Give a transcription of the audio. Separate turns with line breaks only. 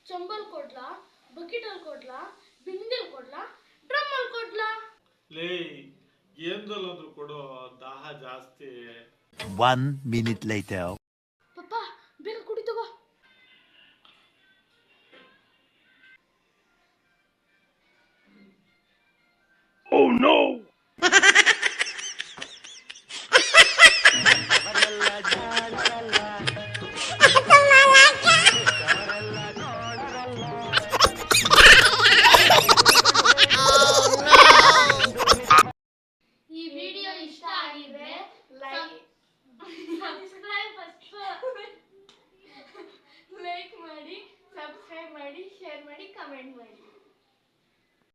चंबल कोटला बकेटल कोटला बिंदೆಲ್ कोटला ड्रमल कोटला
ಲೇ ಏನ್ದಲ್ಲಾದ್ರೂ ಕೊಡೋ ದಾಹ ಜಾಸ್ತಿ
1 minute later.
ಪಪ್ಪ ಬೇಗ ಕುಡಿ ತಗೋ
Oh no!
ಈ ವಿಡಿಯೋ ಇಷ್ಟ ಆಗಿದ್ರೆ ಲೈಕ್ ಮಾಡಿ ಸಬ್ಸ್ಕ್ರೈಬ್ ಮಾಡಿ ಶೇರ್ ಮಾಡಿ ಕಮೆಂಟ್ ಮಾಡಿ